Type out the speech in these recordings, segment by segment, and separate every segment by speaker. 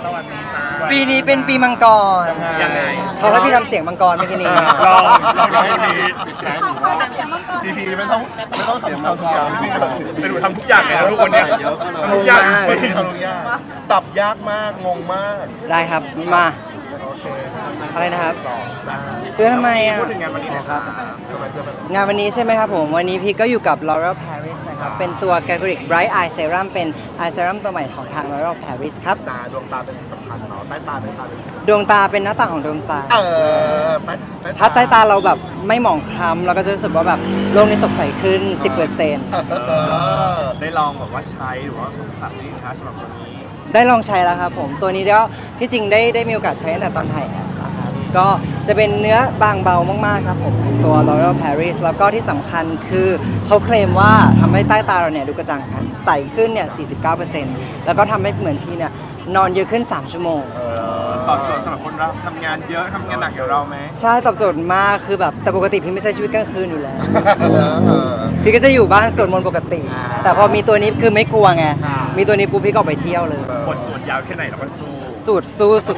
Speaker 1: สวัสดีจ้า
Speaker 2: ปีนี้เป็นปีมังกร
Speaker 1: ยังไง
Speaker 2: เขาให้พี่ทำเสียงมังกรเมื่อกี้นี้
Speaker 1: ลองให้ดี
Speaker 3: ทีไม่ต้องเสียงเราทุกอย่างที่เรา
Speaker 1: เป็นหนูทำทุกอย่างเลยนะทุกคนเนี่ยทำทุกอย่างจริง
Speaker 3: ทำทุกอย่างสับยากมากงงมาก
Speaker 2: ได้ครับมา
Speaker 3: โอเค
Speaker 2: อะไรนะครับ
Speaker 3: ต่อจ้า
Speaker 2: ซื้อทำไมอ่ะ
Speaker 1: พูดถึงงานวันนี้นะครับ
Speaker 3: ทำไมเสื้อแบบ
Speaker 2: งานวันนี้ใช่ไหมครับผมวันนี้พี่ก็อยู่กับ L'Oreal Paris นะครับเป็นตัว Galactic Bright Eye Serum เป็น Eye Serum ตัวใหม่ของทาง L'Oreal Paris ครับ
Speaker 3: ตาดวงตาเป็นสิ่งสำคัญเนาะใต้ตาเป็น
Speaker 2: ดวงตาเป็นหน้าต่างของดวงใจ
Speaker 3: ใต้
Speaker 2: ถ้าใต้ตาเราแบบไม่หมองคล้ำเราก็จะรู้สึกว่าแบบโลกนี้สดใสขึ้น 10%
Speaker 1: ได้ลองแบบว่าใช้หรือว่าสัมผัสนี่นะคะสำหรับวันนี้
Speaker 2: ได้ลองใช้แล้วครับผมตัวนี้ก็ที่จริงได้มีโอกาสใช้ตั้งแต่ตอนถ่ายแอดนะครับก็จะเป็นเนื้อบางเบามากๆครับผมเป็นตัว L'Oreal Paris แล้วก็ที่สำคัญคือเขาเคลมว่าทำให้ใต้ตาเราเนี่ยดูกระจ่างใสขึ้นเนี่ย 49% แล้วก็ทำให้เหมือนพี่เนี่ยนอนเยอะขึ้น 3 ชั่วโมง
Speaker 1: ตอบโจทย์สำหรับคนเราทำงานเยอะทำงานหนักอย่างเราไหม
Speaker 2: ใช่ตอบโจทย์มากคือแบบแต่ปกติพี่ไม่ใช้ชีวิตกลางคืนอยู่แล้ว พี่ก็จะอยู่บ้านสวดมนต์ปกติ แต่พอมีตัวนี้คือไม่กลัวไงมีตัวนี้ปุ๊บพี่ก็ออกไปเที่ยวเลย
Speaker 1: บทสวดยาวแค่ไหนเราก็สู้
Speaker 2: สูตรสู้สุด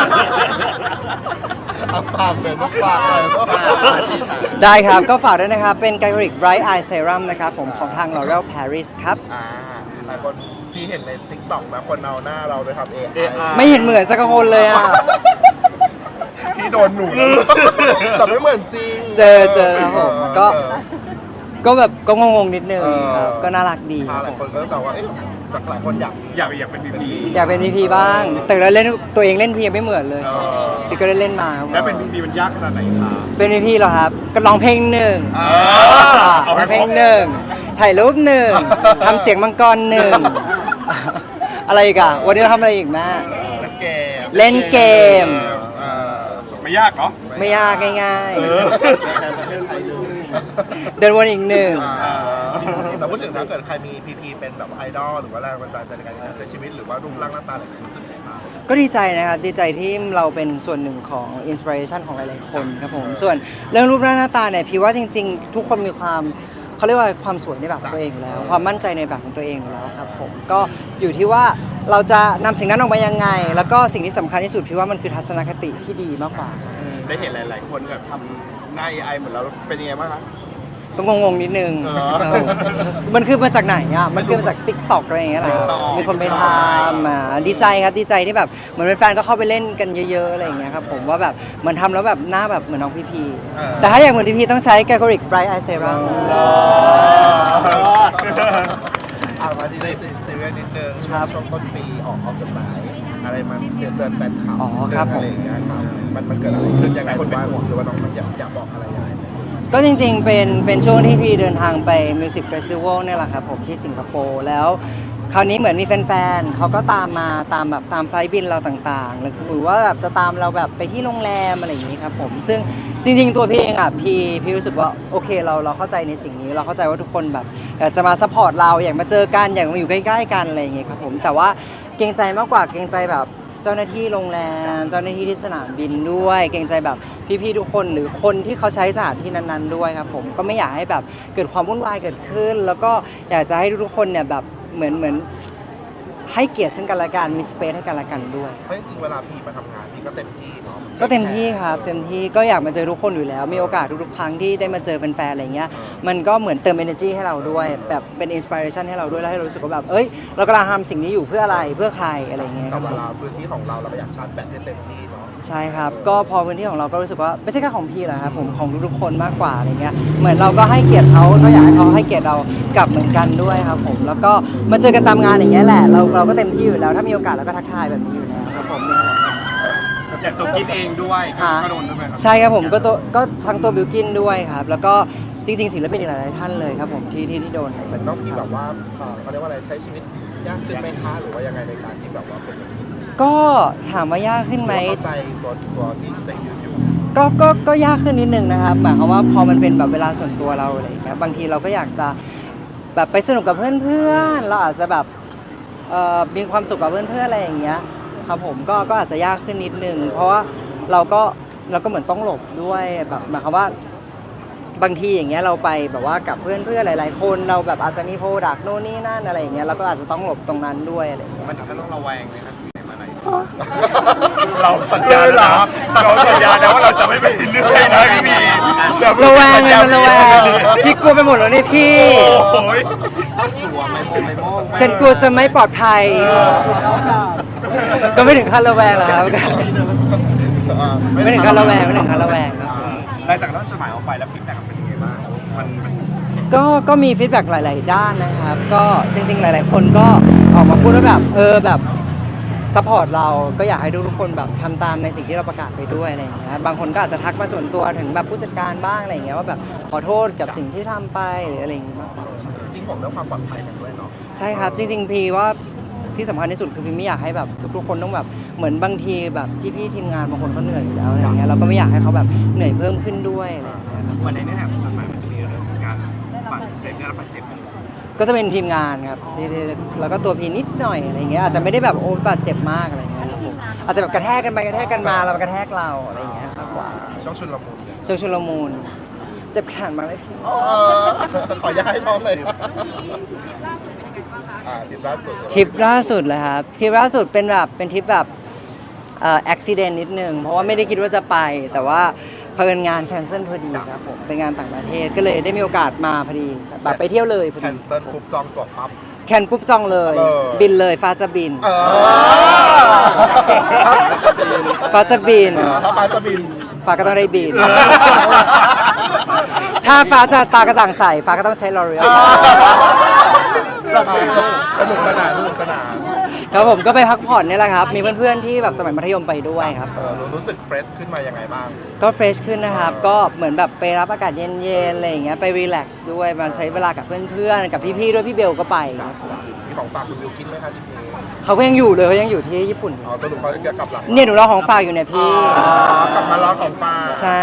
Speaker 3: เอาปากเลยต้องปากเลยต้องปาก
Speaker 2: ๆ ได้ครับ ก็ฝากด้วยนะครับ เป็น Galactic Bright Eye Serum นะครับผมของทาง L'Oreal Paris ครับ
Speaker 3: หลายคนพี่เห็นใน TikTok นะคนเอาหน้าเราไปทำ AI
Speaker 2: ไม่เห็นเหมือนสักคนเลยอ่ะ
Speaker 3: พี่โดนหนูแต่ไม่เหมือนจริง
Speaker 2: เจอครับผมก็แบบก็งงๆนิดนึงครับก็น่ารักดีครับ
Speaker 3: หลาย
Speaker 2: ผม
Speaker 3: คนก็แต่ว่าจากหลายคนอยาก
Speaker 1: อยากเป็นบีบี
Speaker 2: อยากเป็น VP บ้าง แต่เราเล่นตัวเองเล่นพียังไม่เหมือนเลยพี่ก็ได้เล่นมาครับ
Speaker 1: แล้วเป็นบีบีมันยากขนาดไหนคะ
Speaker 2: เป็น VP เหรอครับ ก็ร้องเพลงหนึ่ง
Speaker 1: เอาให้
Speaker 2: ร้องเพล
Speaker 1: ครบ
Speaker 2: งหนึ่งถ่ายรูปหนึ่งทำเสียงมังกรหนึ่งอะไรอีกอะวันนี้เราทำอะไรอีกแม่ เล่นเกม
Speaker 1: ไม่ยากเนาะ
Speaker 2: ไม่ยากง่าย
Speaker 1: เออ
Speaker 3: แทนประเทศไทยเลย
Speaker 2: ๆ เดินวนอีกหนึ่ง
Speaker 3: แต่พูดถึงถ้าเกิดใครมีพีพีเป็นแบบไอดอลหรือว่าแรงบันดาลใจในการใช้ชีวิตหรือว่ารูปร่างหน้าตาอะไรอย่างเงี้ยรู้สึกยังไงบ้าง
Speaker 2: ก็ดีใจนะครับดีใจที่เราเป็นส่วนหนึ่งของอินสปิเรชันของหลายๆคนครับผมส่วนเรื่องรูปร่างหน้าตาเนี่ยพี่ว่าจริงๆ ทุกคนมีความเขาเรียกว่าความสวยในแบบของตัวเองอยู่แล้ว ความมั่นใจในแบบของตัวเองอยู่แล้วครับผมก็อยู่ที่ว่าเราจะนำสิ่งนั้นออกมายังไง แล้วก็สิ่งที่สำคัญที่สุดพี่ว่ามันคือทัศนคติที่ดีมากกว่า
Speaker 1: ได้เห็นหลาย ๆ คนแบบทำหน้า AI เหมือนเราเป็นยังไงบ้างคะ
Speaker 2: ก็งงๆนิดนึง
Speaker 1: เหรอ
Speaker 2: ครับผมมันคือมาจากไหนอ่ะมันคือมาจาก TikTok อะไรอย่างเงี้ยแหละ
Speaker 1: TikTok
Speaker 2: มีคนไปทำดีใจครับดีใจที่แบบเหมือนแฟนๆก็เข้าไปเล่นกันเยอะๆอะไรอย่างเงี้ยครับผมว่าแบบเหมือนทำแล้วแบบหน้าแบบเหมือนน้องพีพีแต่ถ้าอยากเหมือนพีพีต้องใช้ Galactic Bright Eye Serum
Speaker 3: มาที่ซีเรียสนิดนึง
Speaker 2: ครับ
Speaker 3: ช่วงต้นปีออกจดหมายอะไรมันเตือนแฟนคลับ
Speaker 2: อ๋อครับผม
Speaker 3: อะไรอย่างเงี้ยครับมันเกิดอะไรขึ้นยังไงหรือว่าน้องมันอยากบอกอะไรยังไง
Speaker 2: ก็จริงๆ เป็นช่วงที่พี่เดินทางไป Music Festival เนี่ยแหละครับผมที่สิงคโปร์แล้วคราวนี้เหมือนมีแฟนๆเขาก็ตามมาตามแบบตามไฟล์บินเราต่างๆหรือว่าแบบจะตามเราแบบไปที่โรงแรมอะไรอย่างนี้ครับผมซึ่งจริงๆ ตัวพี่เองอ่ะพี่รู้สึกว่าโอเคเราเข้าใจในสิ่งนี้เราเข้าใจว่าทุกคนแบบอยากจะมาซัพพอร์ตเราอยากมาเจอกันอยากมาอยู่ใกล้ๆกันอะไรอย่างเงี้ยครับผมแต่ว่าเกรงใจมากกว่าเกรงใจแบบเจ้าหน้าที่โรงแรมเจ้าหน้าที่ที่สนามบินด้วยเกรงใจแบบพี่ๆทุกคนหรือคนที่เขาใช้สถานที่นั้นๆด้วยครับผมก็ไม่อยากให้แบบเกิดความวุ่นวายเกิดขึ้น แล้วก็อยากจะให้ทุกๆคนเนี่ยแบบเหมือนให้เกียรติซึ่งกันและกันมีสเปซให้กันและกันด้วย
Speaker 3: เพราะจริงๆเวลาพี่มาทำงานพี่ก็เต็มที่เนาะ
Speaker 2: ก็เต็มที่ครับเต็มที่ก็อยากมาเจอทุกคนอยู่แล้ว มีโอกาสทุกๆครั้งที่ได้มาเจอแฟนๆอะไรเงี้ยมันก็เหมือนเติม energy ให้เราด้วยแบบเป็นอินสปิเรชันให้เราด้วยแล้วให้เรารู้สึกว่าแบบเอ้ยเรากำลังทำสิ่งนี้อยู่เพื่ออะไรเพื่อใครอะไรเงี้ยค
Speaker 3: แต่
Speaker 2: รับ
Speaker 3: เว
Speaker 2: ผม
Speaker 3: ลาพื้นที่ของเราก็อยากชาร์จแบตให้เต็มที่เนาะ
Speaker 2: ใช่ครับก็พอพื้นที่ของเราก็รู้สึกว่าไม่ใช่แค่ของพี่แหละครับผมของทุกๆคนมากกว่าอะไรเงี้ยเหมือนเราก็ให้เกียรติเขาก็อยากให้เขาให้เกียรติเรากลับเหมือนกันด้วยครับผมแล้วก็มาเจอกันตามงานอย่างเงี้ยแหละเราก็เต็มที่อยู่แล้วถ้ามีโอกาสเราก็ทักทายแบบนี้อยู่แล้วครับผมเนี่ย
Speaker 1: อย่างตัวกินเองด้วยก็โดนด้วยไหมครับ
Speaker 2: ใช่ครับผมก็ทั้งตัวบิวกินด้วยครับแล้วก็จริงๆศิลปินอีกหลายๆท่านเลยครับผมที่โดน
Speaker 3: เหมือนน้องพี่แบบว่าเขาเรียกว่าอะไรใช้ชีวิตยากขึ้นไหมคะหรือว่ายังไงในการที่แบบว่าเป็นแบบนี้
Speaker 2: ก็ถามว่ายากขึ้นไหม
Speaker 3: เข้าใจตัวที่ตัวเองอยู่
Speaker 2: ก็ยากขึ้นนิดนึงนะครับหมายความว่าพอมันเป็นแบบเวลาส่วนตัวเราอะไรอย่างเงี้ยบางทีเราก็อยากจะแบบไปสนุกกับเพื่อนๆเราอาจจะแบบมีความสุขกับเพื่อนๆอะไรอย่างเงี้ยครับผมก็อาจจะยากขึ้นนิดนึงเพราะว่าเราก็เหมือนต้องหลบด้วยแบบหมายความว่าบางทีอย่างเงี้ยเราไปแบบว่ากับเพื่อนๆหลายๆคนเราแบบอาจจะมีโปรดักต์โน่นนี่นั่นอะไรอย่างเงี้ยเราก็อาจจะต้องหลบตรงนั้นด้วยอะไรอย่างเงี้ย
Speaker 1: มันถึงขั้นต้องระแวงไหมครับที่ไหนมาไหนเราสัญญาเหรอเราสัญญานะว่าเราจะไม่ไปเรื่อยนะพี่มีแบบ
Speaker 2: ระแวงไงมันระแวงพี่กลัวไปหมดแล้วนี่พี่
Speaker 1: โอ้ย
Speaker 3: ต้องสวมไมโม่
Speaker 2: ฉันกลัวจะไม่ปลอดภัย ก็ไม่ถึงขั้นระแวงหรอกครับ ไม่ถึงขั้นระแวงไม่ถึงขั้นระแวงครับ
Speaker 1: หลังจากนั้นจดหมายออกไปแล้วฟีดแบ็กเป็นยังไงบ้างมัน
Speaker 2: ก็มีฟีดแบ็กหลาย ๆ ด้านนะครับ ก็จริง ๆ หลาย ๆ คนก็ออกมาพูดว่าแบบแบบซัพพอร์ตเราก็อยากให้ทุกคนแบบทำตามในสิ่งที่เราประกาศไปด้วยอะไรอย่างเงี้ยบางคนก็อาจจะทักมาส่วนตัวถึงแบบผู้จัดการบ้างอะไรอย่างเงี้ยว่าแบบขอโทษกับสิ่งที่ทำไปหรืออะไรอย่างเงี้ยมากกว่า
Speaker 3: จริงผมเรื่องความปลอดภัยกันด้วยเนาะ
Speaker 2: ใช่ครับ จริง ๆ พี่ว่าที่สำคัญที่สุดคือพี่ไม่อยากให้แบบทุก ๆ คนต้องแบบเหมือนบางทีแบบพี่ ๆ ทีมงานบางคนเขาเหนื่อยอยู่แล้วอะไรอย่างเงี้ยเราก็ไม่อยากให้เขาแบบเหนื่อยเพิ่มขึ้นด้วยอะไรอย่างเงี้ยครับ
Speaker 1: วันในเนื้อหาของจดหมายมันจะมีเรื่องของการบาดเจ็บได้รับบาดเจ็บ
Speaker 2: ก็จะเป็นทีมงานครับแล้วก็ตัวพีนิดหน่อยอะไรอย่างเงี้ยอาจจะไม่ได้แบบโอ้บาดเจ็บมากอะไรอย่างเงี้ยครับผมอาจจะแบบกระแทกกันไปกระแทกกันมาแล้วมันกระแทกเราอะไรอย่างเงี้ยครับกว่า
Speaker 3: ช่วงชุนละมุน
Speaker 2: ช่วงชุลมุนเจ็บแขนมากเลยพี่
Speaker 3: ขอย้ายน้องเลยทริปล่าสุด
Speaker 2: ทริปล่าสุดเลยครับทริปล่าสุดเป็นทริปแบบอุบิเหตุนิดนึงเพราะว่าไม่ได้คิดว่าจะไปแต่ว่าเพิ่นงานแคนเซิลพอดีครับผมเป็นงานต่างประเทศก็เลยได้มีโอกาสมาพอดีแบบไปเที่ยวเลยพอ
Speaker 3: แค
Speaker 2: ดี
Speaker 3: นเซิลปุ๊บจองตั๋วปั๊บ
Speaker 2: แคนปุ๊บจองเลย บินเลยฟ้าจะบิน ฟ้าจะบิน
Speaker 3: ถ้าฟ้าจะบิน
Speaker 2: ฟ้าก็ต้องได้บิน ถ้าฟ้าจะตากระจ่างใสฟ้าก็ต้องใช้ลอเรียล
Speaker 3: สนุกสนานสนุกสนาน
Speaker 2: ครับผมก็ไปพักผ่อนนี่แหละครับ มีเพื่อนๆที่แบบสมัยมัธยมไปด้วยครับ
Speaker 3: รู้สึกเฟรชขึ้นมายังไงบ้าง
Speaker 2: ก็เฟรชขึ้นนะครับ ก็เหมือนแบบไปรับอากาศเย็นๆอะไรอย่างเงี้ยไปรีแลกซ์ด้วยมาใช้เวลากับเพื่อนๆกับพี่ๆด้วยพี่เบลก็ไปครับ
Speaker 3: มีของฝากคุณบิวกินไหมคะที่นี่
Speaker 2: เขาก็ยังอยู่เลยเขายังอยู่ที่ญี่ปุ่น
Speaker 3: สรุปเขาจะกลับหลัง
Speaker 2: เนี่ยหนูรอของฝากอยู่เนี่ยพี่
Speaker 3: กลับมาล้อของฝาก
Speaker 2: ใช่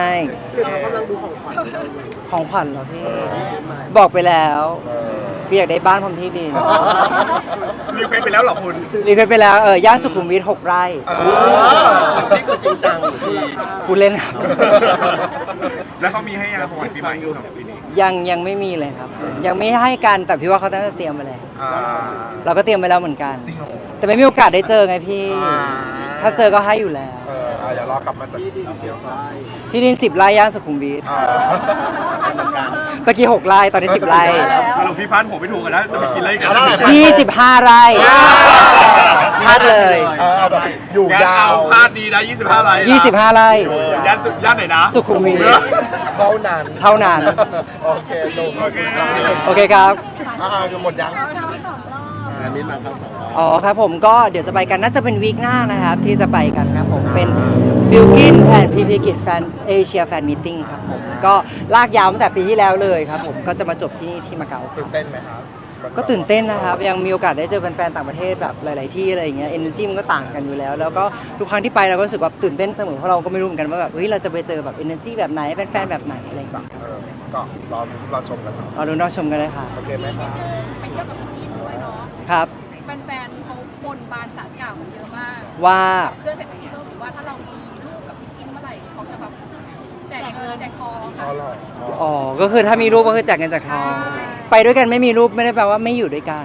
Speaker 2: ของขวัญเหรอพี่ บอกไปแล้วพี่อยากได้บ้านพร้อมที่ดิน
Speaker 1: รีเควสไปแล้วเหรอคุณ
Speaker 2: รีเควสไปแล้วย่านสุขุมวิท6 ไร่
Speaker 3: นี่คือจริงจังหรือที่
Speaker 2: พูดเล่นครับ
Speaker 1: แล้วเขามีให้ยังของขวัญปีใหม่สำหรับปีนี้
Speaker 2: ยังไม่มีเลยครับ ยังไม่ให้กันแต่พี่ว่าเขาน่าจะเตรียมไปแล้วเราก็เตรียมไปแล้วเหมือนกัน
Speaker 3: จริงเหรอ
Speaker 2: แต่ไม่มีโอกาสได้เจอไงพี่ ถ้าเจอก็ให้อยู่แล้ว
Speaker 3: อย่ารอกลับมาจากที่ดิน
Speaker 2: ที่ดิน10 ไร่ย่านสุขุมวิท
Speaker 3: จัดการ
Speaker 2: เมื่อกี้6 ไร่ตอนนี้10 ไร่
Speaker 1: สรุปพี่พันธุ์ผมไม่ถูกกันแล้วจะไปกินอะไรกัน
Speaker 2: 25 ไร่พลาดเลย
Speaker 3: เอาแบบอยู่
Speaker 1: งั้น
Speaker 3: ยาว
Speaker 1: เอาพลาดดีนะ25 ไร่
Speaker 2: 25 ไร่
Speaker 1: ย่านไหนนะ
Speaker 2: สุขุมวิท
Speaker 3: เท่านั้น
Speaker 2: เท่านั้น
Speaker 3: โอเคลง
Speaker 1: โอเค
Speaker 2: โอเคครับ
Speaker 3: หมดยังอันนี้มาครั้งสองรอบ
Speaker 2: อ๋อครับผมก็เดี๋ยวจะไปกันน่าจะเป็นวีคหน้านะครับที่จะไปกันครับผมเป็น Bilkin and PP Git Fan Asia Fan Meeting ครับผมก็ลากยาวตั้งแต่ปีที่แล้วเลยครับผมก็จะมาจบที่นี่ที่มาเก๊าค
Speaker 3: ตื่
Speaker 2: รับ
Speaker 3: นเต้นไหมครับ
Speaker 2: ก็ตื่นเต้นนะครับยังมีโอกาสได้เจอแฟนๆต่างประเทศแบบหลาย ๆ ที่อะไรอย่างเงี้ย energy มันก็ต่างกันอยู่แล้ว แล้วก็ทุกครั้งที่ไปเราก็รู้สึกว่าตื่นเต้นเสมอเพราะเราก็ไม่รู้เหมือนกันว่าแบบเฮ้ยเราจะไปเจอแบบ energy แบบไหนแฟนๆแบบไหนอะไรอย่างเงี้ย
Speaker 3: ก็รอชมกันเนาะ
Speaker 2: เอาดูน้องชมกันเลยค่ะ
Speaker 3: โอเคไหมครับ
Speaker 4: ไปเที่ยวกับพี่กินด้วยเนาะ
Speaker 2: ครับ
Speaker 4: แฟนๆเขาบนบานสารกล่าวกันเยอะมาก
Speaker 2: ว่า
Speaker 4: เพื่อเศรษฐกิจโลกหรือว่าถ้าเรามีลูกกับพี่กินเมื่อไหร่เขาจะแบบแจกเงินแจกทอง
Speaker 3: อ๋อเหรอ
Speaker 2: อ๋อก็คือถ้ามีรูปก็คือแจกเงินจากทองไปด้วยกันไม่มีรูปไม่ได้แปลว่าไม่อยู่ด้วยกัน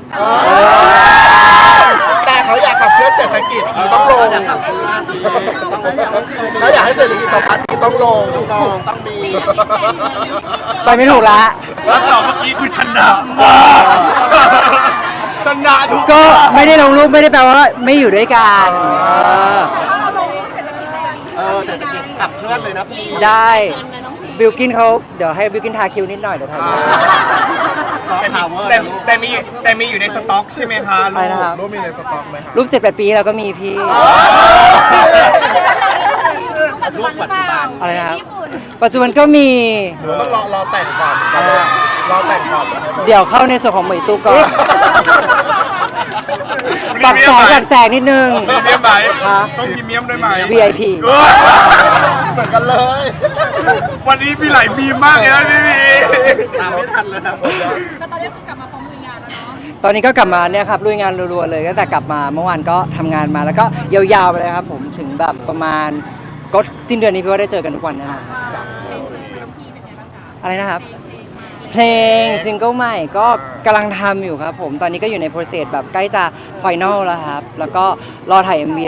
Speaker 3: แต่เขาอยากขับเคลื่อนเศรษฐกิจต้องลงถ้าอยากให้เศรษฐกิจสะพัดต้องลงต้องมี
Speaker 2: ไปไม่ถูกละ
Speaker 1: แล้วตอบเมื่อกี้คือชนะมากชนะทุก
Speaker 2: ก็ไม่ได้ลงรูปไม่ได้แปลว่าไม่อยู่ด้วยกัน
Speaker 4: ถ้าเราลงเศรษฐกิจมันจะดีขึ้น
Speaker 3: เศรษฐกิจขับเคลื่อนเลยนะพี่
Speaker 2: ได้บิลกินเขาเดี๋ยวให้บิลกินทาคิวนิดหน่อยเดี๋ยวทา
Speaker 3: ซอฟต์พาวเวอร์
Speaker 1: แต่มีอยู่ในสต็อกใช่ไหมคะ
Speaker 2: ไปนะครับ
Speaker 3: รูปมีในสต็อกไหมครับ
Speaker 2: รูป7-8 ปีเราก็มีพี่
Speaker 3: ช่วงปัจจุบัน
Speaker 2: อะไรนะครับปัจจุบันก็มี
Speaker 3: หรือต้องรอแต่งก่อนรอแต่งก่อนนะครับ
Speaker 2: เดี๋ยวเข้าในส่วนของหมวยตู้ก่อนปรับแสงนิดนึง
Speaker 1: พรีเมียมไหม
Speaker 2: ฮะ
Speaker 1: ต้องพรีเมียมด้วยไหม
Speaker 2: VIP
Speaker 3: เหมือนกันเลย
Speaker 1: วันนี้มีหลายบีมมากเลยนะพี่มี
Speaker 3: ตามไม่ทันเลยนะ
Speaker 4: แล้วตอนนี้คือกลับมาพร้อมลุยงานแล้วเนาะ
Speaker 2: ตอนนี้ก็กลับมาเนี่ยครับลุยงานรัวๆเลยตั้งแต่กลับมาเมื่อวานก็ทำงานมาแล้วก็ยาวๆไปเลยครับผมถึงแบบประมาณก็สิ้นเดือนนี้พี่ว่าได้เจอกันทุกวันแน่นอนครับ
Speaker 4: เพลงน้องพีเป็นไงบ้างคะ
Speaker 2: อะไรนะครับ เพลงซิงเกิลใหม่ก็กำลังทำอยู่ครับผมตอนนี้ก็อยู่ในโปรเซสแบบใกล้จะไฟนอลแล้วครับ แล้วก็รอถ่าย MV